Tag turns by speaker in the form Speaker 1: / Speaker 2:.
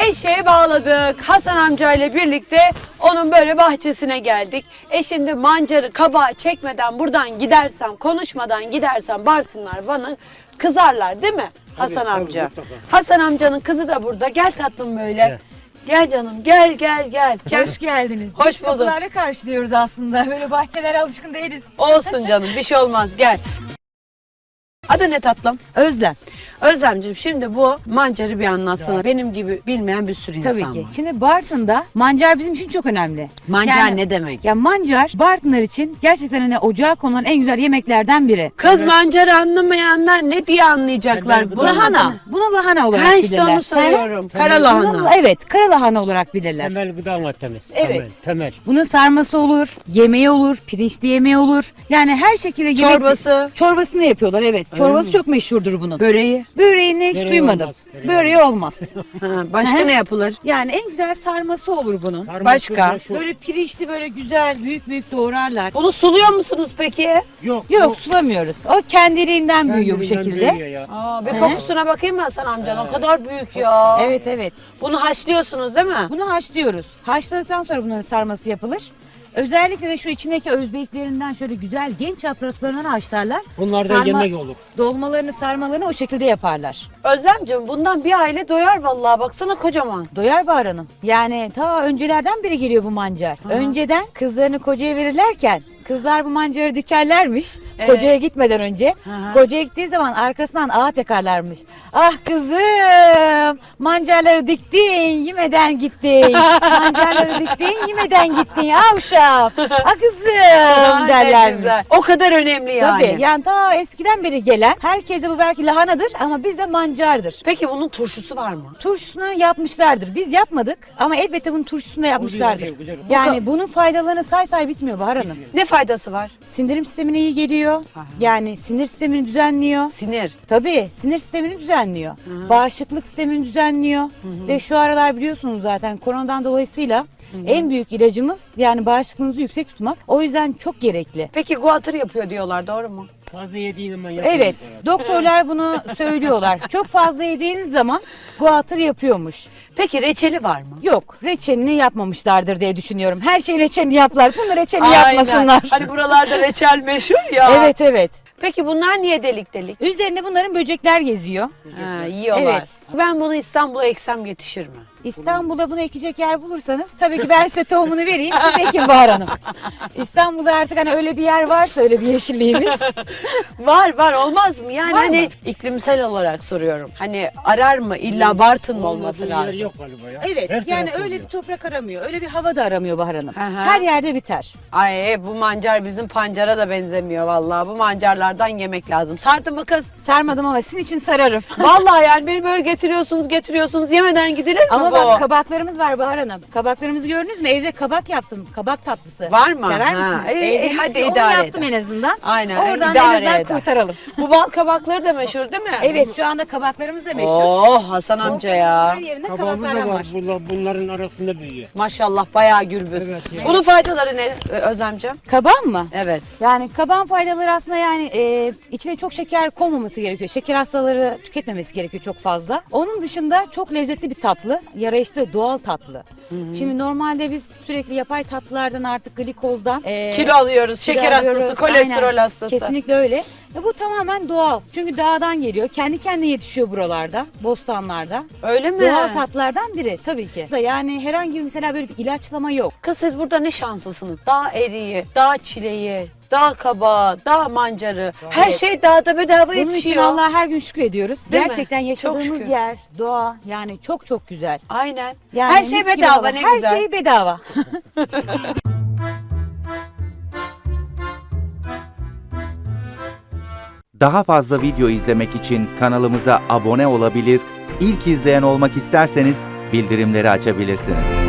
Speaker 1: Eşeğe bağladık. Hasan amcayla birlikte onun böyle bahçesine geldik. Şimdi mancarı kabağı çekmeden buradan gidersem, konuşmadan gidersem Bartınlar bana kızarlar değil mi Hasan amca? Hasan amcanın kızı da burada. Gel tatlım böyle. Evet. Gel canım, gel.
Speaker 2: Hoş geldiniz.
Speaker 1: Hoş
Speaker 2: Biz
Speaker 1: bulduk.
Speaker 2: kapılarla karşılıyoruz aslında. Böyle bahçelere alışkın değiliz.
Speaker 1: Olsun canım, bir şey olmaz. Gel. Adı ne tatlım?
Speaker 2: Özlem.
Speaker 1: Özlemciğim, şimdi bu mancarı bir anlatsana. Ya. Benim gibi bilmeyen bir sürü insan
Speaker 2: Tabii
Speaker 1: var.
Speaker 2: ki. Şimdi Bartın'da mancar bizim için çok önemli.
Speaker 1: Mancar ne demek?
Speaker 2: Ya mancar Bartınlar için gerçekten hani ocağa konulan en güzel yemeklerden biri.
Speaker 1: Kız evet. Mancarı anlamayanlar ne diye anlayacaklar?
Speaker 2: Bu lahana. Bunu lahana olarak
Speaker 1: bilirler.
Speaker 2: işte
Speaker 1: onu soruyorum. Kara lahana.
Speaker 2: Evet, kara lahana olarak bilirler.
Speaker 3: Temel gıda maddemiz.
Speaker 2: Evet.
Speaker 3: Temel.
Speaker 2: Bunun sarması olur, yemeği olur, pirinçli yemeği olur. Yani her şekilde yemek...
Speaker 1: Çorbası.
Speaker 2: Çorbasını yapıyorlar, evet. Çorbası çok meşhurdur bunun.
Speaker 1: Böreği.
Speaker 2: Böreğini hiç duymadım.
Speaker 3: Olmaz.
Speaker 2: Böreği olmaz.
Speaker 1: Başka ne yapılır?
Speaker 2: Yani en güzel sarması olur bunun.
Speaker 1: Başka?
Speaker 2: Böyle pirinçli böyle güzel büyük doğrarlar.
Speaker 1: Bunu suluyor musunuz peki?
Speaker 2: Yok sulamıyoruz. O kendiliğinden büyüyor bu şekilde.
Speaker 1: Bir kokusuna bakayım mı Hasan amcan? O kadar büyük ya.
Speaker 2: Evet.
Speaker 1: Bunu haşlıyorsunuz değil mi?
Speaker 2: Bunu haşlıyoruz. Haşladıktan sonra bunların sarması yapılır. Özellikle de şu içindeki özbeklerinden şöyle güzel genç yapraklarından haşlarlar.
Speaker 3: Bunlardan yemek olur.
Speaker 2: Dolmalarını, sarmalarını o şekilde yaparlar.
Speaker 1: Özlemciğim, bundan bir aile doyar vallahi, baksana kocaman.
Speaker 2: Doyar Bahar Hanım. Yani ta öncelerden beri geliyor bu mancar. Önceden kızlarını kocaya verirlerken kızlar bu mancarı dikerlermiş kocaya gitmeden önce. Kocaya gittiği zaman arkasından ağa tekarlarmış. Ah kızım, mancarları diktin yemeden gittin. Mancarları diktin yemeden gittin. Ah uşağım, ah kızım derlermiş.
Speaker 1: O kadar önemli yani.
Speaker 2: Tabii yani ta eskiden beri gelen herkese bu belki lahanadır ama bizde mancardır.
Speaker 1: Peki bunun turşusu var mı?
Speaker 2: Turşusunu yapmışlardır. Biz yapmadık ama elbette bunun turşusunu da yapmışlardır.
Speaker 3: Güzel.
Speaker 2: Yani bunun faydalarını say bitmiyor Bahar Hanım.
Speaker 1: Ne faydası var?
Speaker 2: Sindirim sistemine iyi geliyor. Yani sinir sistemini düzenliyor.
Speaker 1: Sinir.
Speaker 2: Tabii sinir sistemini düzenliyor. Bağışıklık sistemini düzenliyor. Ve şu aralar biliyorsunuz zaten koronadan dolayısıyla en büyük ilacımız yani bağışıklığınızı yüksek tutmak. O yüzden çok gerekli.
Speaker 1: Peki guatr yapıyor diyorlar, doğru mu?
Speaker 3: Fazla yediğin zaman yapıyor.
Speaker 2: Evet, doktorlar bunu söylüyorlar. Çok fazla yediğiniz zaman guatr yapıyormuş.
Speaker 1: Peki reçeli var mı?
Speaker 2: Yok, reçelini yapmamışlardır diye düşünüyorum. Her şey reçelini yaptılar. Bunu reçelini yapmasınlar.
Speaker 1: Hani buralarda reçel meşhur ya.
Speaker 2: Evet.
Speaker 1: Peki bunlar niye delik delik?
Speaker 2: Üzerinde bunların böcekler geziyor.
Speaker 1: Yiyorlar.
Speaker 2: Evet.
Speaker 1: Ben bunu İstanbul'a eksem yetişir mi?
Speaker 2: İstanbul'da bunu ekecek yer bulursanız tabii ki ben size tohumunu vereyim. Siz ekin Bahar Hanım. İstanbul'da artık hani öyle bir yer varsa öyle bir yeşilliğimiz.
Speaker 1: Var olmaz mı? Yani
Speaker 2: Var
Speaker 1: hani
Speaker 2: mı?
Speaker 1: iklimsel olarak soruyorum. Hani arar mı? İlla Bartın mı olması
Speaker 3: Olmadığı
Speaker 1: lazım?
Speaker 3: yer yok galiba ya.
Speaker 2: Evet
Speaker 3: Her
Speaker 2: yani
Speaker 3: tarafta
Speaker 2: öyle
Speaker 3: oluyor.
Speaker 2: bir toprak aramıyor. Öyle bir hava da aramıyor Bahar Hanım.
Speaker 1: Aha.
Speaker 2: Her yerde biter.
Speaker 1: Ay bu mancar bizim pancara da benzemiyor vallahi. Bu mancarlardan yemek lazım. Sardın mı kız?
Speaker 2: Sarmadım ama sizin için sararım.
Speaker 1: Vallahi yani beni böyle getiriyorsunuz yemeden gidilir mi
Speaker 2: Ama
Speaker 1: bu?
Speaker 2: bak kabaklarımız var Bahar Hanım. Kabaklarımızı gördünüz mü? Evde kabak yaptım. Kabak tatlısı.
Speaker 1: Var mı?
Speaker 2: Sever
Speaker 1: Ha.
Speaker 2: misiniz?
Speaker 1: Hadi
Speaker 2: onu
Speaker 1: idare
Speaker 2: yaptım
Speaker 1: eder.
Speaker 2: en azından.
Speaker 1: Aynen,
Speaker 2: Oradan
Speaker 1: idare
Speaker 2: en azından
Speaker 1: eder.
Speaker 2: kurtaralım.
Speaker 1: Bu bal kabakları da meşhur değil mi?
Speaker 2: Evet şu anda kabaklarımız da meşhur.
Speaker 1: Oh Hasan amca ya.
Speaker 2: Her yerinde
Speaker 3: Kabağımız
Speaker 2: kabaklar
Speaker 3: da
Speaker 2: var.
Speaker 3: var. Bunların arasında büyüyor.
Speaker 1: Maşallah bayağı gürbüz.
Speaker 3: Evet, yani.
Speaker 1: Bunun faydaları ne Özlemciğim?
Speaker 2: Kabağın mı?
Speaker 1: Evet.
Speaker 2: Yani kabağın faydaları aslında yani içine çok şeker konmaması gerekiyor. Şeker hastaları tüketmemesi gerekiyor çok fazla. Onun dışında çok lezzetli bir tatlı. Yarayışlı doğal tatlı. Şimdi normalde biz sürekli yapay tatlılardan artık glikozdan
Speaker 1: Kilo alıyoruz, şeker
Speaker 2: alıyoruz.
Speaker 1: hastası, kolesterol
Speaker 2: Aynen.
Speaker 1: hastası.
Speaker 2: Kesinlikle öyle. Ve bu tamamen doğal. Çünkü dağdan geliyor. Kendi kendine yetişiyor buralarda, bostanlarda.
Speaker 1: Öyle mi?
Speaker 2: Doğal tatlardan biri tabii ki. Yani herhangi bir mesela böyle bir ilaçlama yok.
Speaker 1: Kız siz burada ne şanslısınız. Dağ eriği, dağ çileği, dağ kabağı, dağ mancarı. Her şey dağda bedava
Speaker 2: Bunun için
Speaker 1: yetişiyor.
Speaker 2: Allah'a her gün şükrediyoruz.
Speaker 1: Değil mi?
Speaker 2: Gerçekten
Speaker 1: Çok
Speaker 2: yaşadığımız
Speaker 1: şükür.
Speaker 2: yer, doğa yani çok güzel.
Speaker 1: Aynen.
Speaker 2: Yani
Speaker 1: Her şey
Speaker 2: mis gibi
Speaker 1: bedava,
Speaker 2: hava.
Speaker 1: ne
Speaker 2: her
Speaker 1: güzel.
Speaker 2: Her şey bedava.
Speaker 4: Daha fazla video izlemek için kanalımıza abone olabilir, ilk izleyen olmak isterseniz bildirimleri açabilirsiniz.